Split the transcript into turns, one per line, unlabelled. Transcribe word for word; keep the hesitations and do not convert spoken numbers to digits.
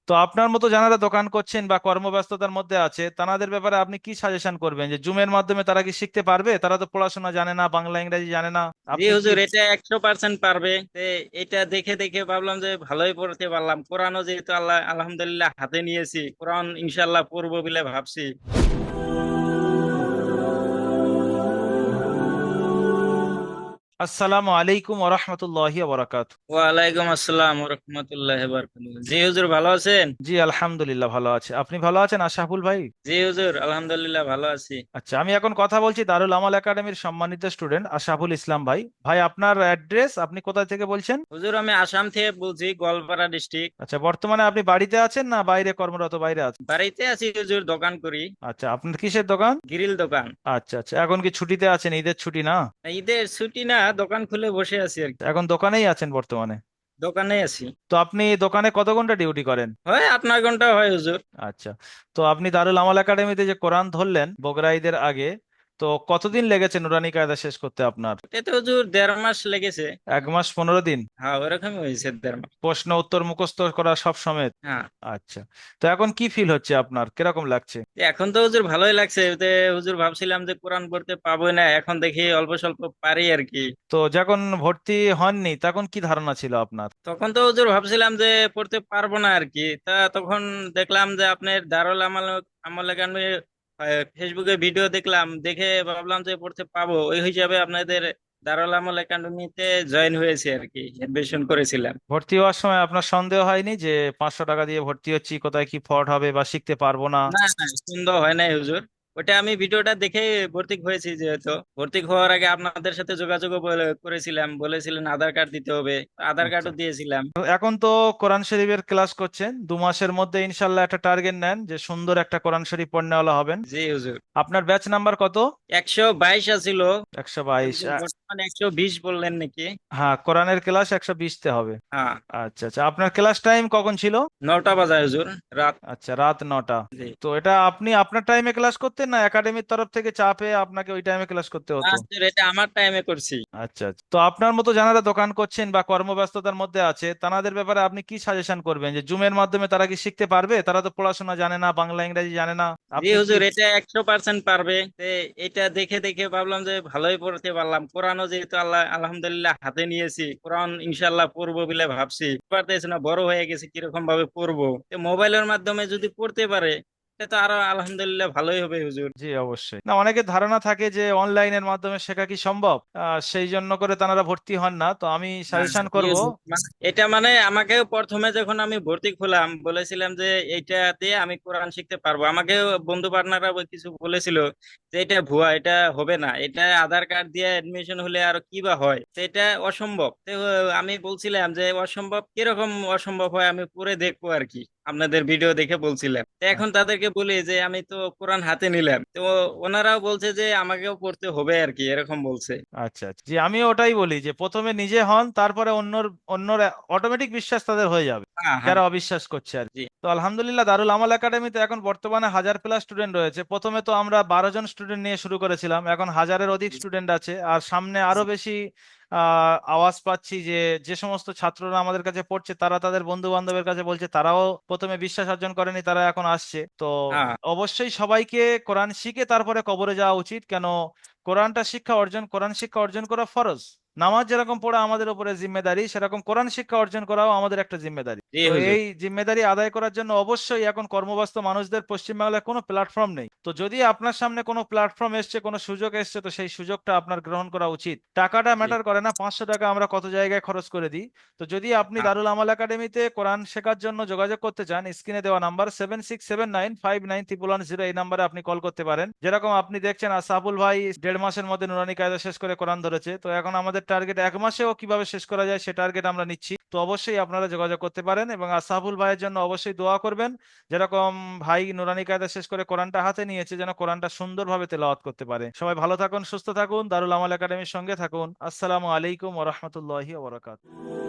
তো আপনার মতো যারা দোকান করছেন বা কর্মব্যস্ততার মধ্যে আছে তাদের ব্যাপারে আপনি কি সাজেশন করবেন, যে জুমের মাধ্যমে তারা কি শিখতে পারবে? তারা তো পড়াশোনা জানে না, বাংলা ইংরেজি জানে না।
জি
আপনি কি?
হুজুর, এটা একশো পার্সেন্ট পারবে। তে এটা দেখে দেখে ভাবলাম যে ভালোই পড়তে পারলাম। কোরআনও যেহেতু আল্লাহ আলহামদুলিল্লাহ হাতে নিয়েছি, কোরআন ইনশাল্লাহ পড়বো বলে ভাবছি।
আসসালামু আলাইকুম ওরহমতুল্লাহি ওবরাকাত।
ওয়ালাইকুম আসসালাম রহমতুল্লাহ বারাকাতুহু। জি হুজুর, ভালো আছেন?
জি আলহামদুলিল্লাহ ভালো আছে। আপনি ভালো আছেন আশরাফুল ভাই?
জি হুজুর, আলহামদুলিল্লাহ ভালো আছি।
আচ্ছা, আমি এখন কথা বলছি দারুল আমাল একাডেমির সম্মানিত স্টুডেন্ট আশরাফুল ইসলাম ভাই। ভাই আপনার অ্যাড্রেস, আপনি কোথা থেকে বলছেন?
হুজুর, আমি আসাম থেকে বলছি, গোয়ালপাড়া ডিস্ট্রিক্ট।
আচ্ছা, বর্তমানে আপনি বাড়িতে আছেন না বাইরে কর্মরত, বাইরে আছেন?
বাড়িতে আছি হুজুর, দোকান করি।
আচ্ছা, আপনার কিসের দোকান?
গ্রিল দোকান।
আচ্ছা আচ্ছা, এখন কি ছুটিতে আছেন? ঈদের ছুটি না?
ঈদের ছুটি না, দোকান খুলে বসে আছি আর কি।
এখন দোকানেই আছেন বর্তমানে?
দোকানে আছি।
তো আপনি দোকানে কত ঘন্টা ডিউটি করেন?
হয় আপনার ঘন্টা হয় হুজুর।
আচ্ছা, তো আপনি দারুল আমাল একাডেমিতে যে কোরআন ধরলেন বকরা ঈদের আগে, তো কতদিন লেগেছে নুরানি কায়দা শেষ করতে আপনার?
এতে হুজুর দেড় মাস লেগেছে।
এক মাস পনেরো দিন?
হ্যাঁ, ওরকমই হয়েছে, দেড় মাস।
প্রশ্ন উত্তর মুখস্থ করা সব সমেত?
হ্যাঁ।
আচ্ছা, তো এখন কি ফিল হচ্ছে আপনার, কিরকম লাগছে?
এখন তো হুজুর ভালোই লাগছে। এতে হুজুর ভাবছিলাম যে কোরআন পড়তে পাবো না, এখন দেখি অল্প স্বল্প পারি আর কি।
তো যখন ভর্তি হননি তখন কি ধারণা ছিল আপনার?
তখন তো হুজুর ভাবছিলাম যে পড়তে পারবো না আর কি। তা তখন দেখলাম যে আপনার দারুল আমাল আমল একাডেমির ফেসবুকে ভিডিও দেখলাম, দেখে ভাবলাম যে পড়তে পাবো, ওই হিসাবে আপনাদের দারুল আমল একাডেমিতে জয়েন হয়েছে আর কি, এডমিশন করেছিলাম।
ভর্তি হওয়ার সময় আপনার সন্দেহ হয়নি যে পাঁচশো টাকা দিয়ে ভর্তি হচ্ছি, কোথায় কি ফ্রড হবে বা শিখতে পারবো না?
না না, সন্দেহ হয় নাই হুজুর। ওটা আমি ভিডিওটা দেখে ভর্তি হয়েছি। যেহেতু ভর্তি হওয়ার আগে আপনাদের সাথে যোগাযোগ করেছিলাম, বলেছিলেন আধার কার্ড দিতে হবে, আধার
আচ্ছা,
কার্ডও দিয়েছিলাম।
তো এখন তো কোরআন শরীফের ক্লাস করছেন, দু মাসের মধ্যে ইনশাল্লাহ একটা টার্গেট নেন যে সুন্দর একটা কোরআন শরীফ পড়নেওয়ালা হবেন।
জি হুজুর।
আপনার ব্যাচ নাম্বার কত?
একশো বাইশ আছিল।
একশো বাইশ?
হুজুর বর্তমানে একশো বিশ বললেন নাকি?
হ্যাঁ, কোরআনের ক্লাস একশো বিশতে হবে।
হ্যাঁ।
আচ্ছা আচ্ছা, আপনার ক্লাস টাইম কখন ছিল?
নটা বাজায় হুজুর, রাত।
আচ্ছা, রাত নটা।
জি।
তো এটা আপনি আপনার টাইমে ক্লাস করতেন না একাডেমির তরফ থেকে চাপে আপনাকে ওই টাইমে ক্লাস করতে
না
হতো?
হুজুর, এটা আমার টাইমে করছি।
আচ্ছা আচ্ছা, তো আপনার মতো যারা দোকান করছেন বা কর্মব্যস্ততার মধ্যে আছে তাদের ব্যাপারে আপনি কি সাজেশন করবেন, যে জুমের মাধ্যমে তারা কি শিখতে পারবে? তারা তো পড়াশোনা জানে না, বাংলা ইংরেজি জানে না।
জি
আপনি কি?
হুজুর, এটা একশো পার্সেন্ট পারবে। তে এটা দেখে দেখে ভাবলাম যে ভালোই পড়তে পারলাম। কোরআনও যেহেতু আল্লাহ আলহামদুলিল্লাহ হাতে নিয়েছি, কোরআন ইনশাল্লাহ পড়বো বলে ভাবছি। পারতেছি না, বড় হয়ে গেছে, কিরকম ভাবে পড়বো। তো মোবাইলের মাধ্যমে যদি পড়তে পারে, এটা তো আরো আলহামদুলিল্লাহ ভালোই হবে হুজুর।
জি অবশ্যই। না, অনেকের ধারণা থাকে যে অনলাইনের মাধ্যমে শেখা কি সম্ভব, আহ, সেই জন্য করে তারা ভর্তি হন না। তো আমি
হ্যাঁ,
সাজেশন
জি
করব।
হুজুর। মানে এটা মানে আমাকে প্রথমে যখন আমি ভর্তি হলাম বলেছিলাম যে এইটা দিয়ে আমি কোরআন শিখতে পারবো। আমাকে বন্ধু পার্টনাররা কিছু বলেছিল যে এটা ভুয়া, এটা হবে না, এটা আধার কার্ড দিয়ে এডমিশন হলে আর কি বা হয়, তো এটা অসম্ভব। তো আমি বলছিলাম যে অসম্ভব কিরকম অসম্ভব হয়, আমি পড়ে দেখবো আর কি। আপনাদের ভিডিও দেখে বলছিলাম। তো এখন তাদেরকে বলি যে আমি তো কোরআন হাতে নিলাম, তো ওনারাও বলছে যে আমাকেও পড়তে হবে আর কি, এরকম বলছে।
আচ্ছা আচ্ছা, জি আমি ওটাই বলি যে প্রথমে নিজে হন, তারপরে অন্যর অন্যর অটোমেটিক বিশ্বাস তাদের হয়ে যাবে
হ্যাঁ হ্যাঁ।
যারা অবিশ্বাস করছে আর কি।
জি।
তো আলহামদুলিল্লাহ দারুল আমাল একাডেমিতে এখন বর্তমানে হাজার প্লাস স্টুডেন্ট রয়েছে। প্রথমে তো আমরা বারো জন স্টুডেন্ট নিয়ে শুরু করেছিলাম, এখন হাজারের অধিক স্টুডেন্ট আছে, আর সামনে আরো বেশি আহ আওয়াজ পাচ্ছি যে যে সমস্ত ছাত্ররা আমাদের কাছে পড়ছে তারা তাদের বন্ধু বান্ধবের কাছে বলছে তারাও প্রথমে বিশ্বাস অর্জন করেনি, তারা এখন আসছে। তো
হ্যাঁ।
অবশ্যই সবাইকে কোরআন শিখে তারপরে কবরে যাওয়া উচিত। কেন? কোরআনটা শিক্ষা অর্জন কোরআন শিক্ষা অর্জন করা ফরজ। নামাজ যেরকম পড়া আমাদের উপরে জিম্মেদারি, সেরকম কোরআন শিক্ষা অর্জন করাও আমাদের একটা জিম্মেদারি।
জি
তো
হুজুর।
এই জিম্মেদারি আদায় করার জন্য অবশ্যই এখন কর্মব্যস্ত মানুষদের পশ্চিমবাংলায় কোনো প্ল্যাটফর্ম নেই। তো যদি আপনার সামনে কোনো প্ল্যাটফর্ম এসছে, কোনো সুযোগ এসছে, তো সেই সুযোগটা আপনার গ্রহণ করা উচিত। টাকাটা
জি।
ম্যাটার করে না, পাঁচশো টাকা আমরা কত জায়গায় খরচ করে দিই। তো যদি আপনি
হ্যাঁ।
দারুল আমাল একাডেমিতে কোরআন শেখার জন্য যোগাযোগ করতে চান, স্ক্রিনে দেওয়া number seven six seven nine five nine triple one zero, এই নাম্বারে আপনি কল করতে পারেন। যেরকম আপনি দেখছেন আসাবুল ভাই দেড় মাসের মধ্যে নুরানি কায়দা শেষ করে কোরআন ধরেছে, তো এখন আমাদের টার্গেট এক মাসেও কিভাবে শেষ করা যায় সে টার্গেট আমরা নিচ্ছি। তো অবশ্যই আপনারা যোগাযোগ করতে পারেন এবং আসাবুল ভাইয়ের জন্য অবশ্যই দোয়া করবেন। যেরকম ভাই নুরানি কায়দা শেষ করে কোরআনটা হাতে নিয়েছে, যেন কোরআনটা সুন্দরভাবে তেলাওয়াত করতে পারে। সবাই ভালো থাকুন, সুস্থ থাকুন, দারুল আমাল একাডেমির সঙ্গে থাকুন। আসসালামু আলাইকুম ওয়া রাহমাতুল্লাহি ওয়া বারাকাতুহু।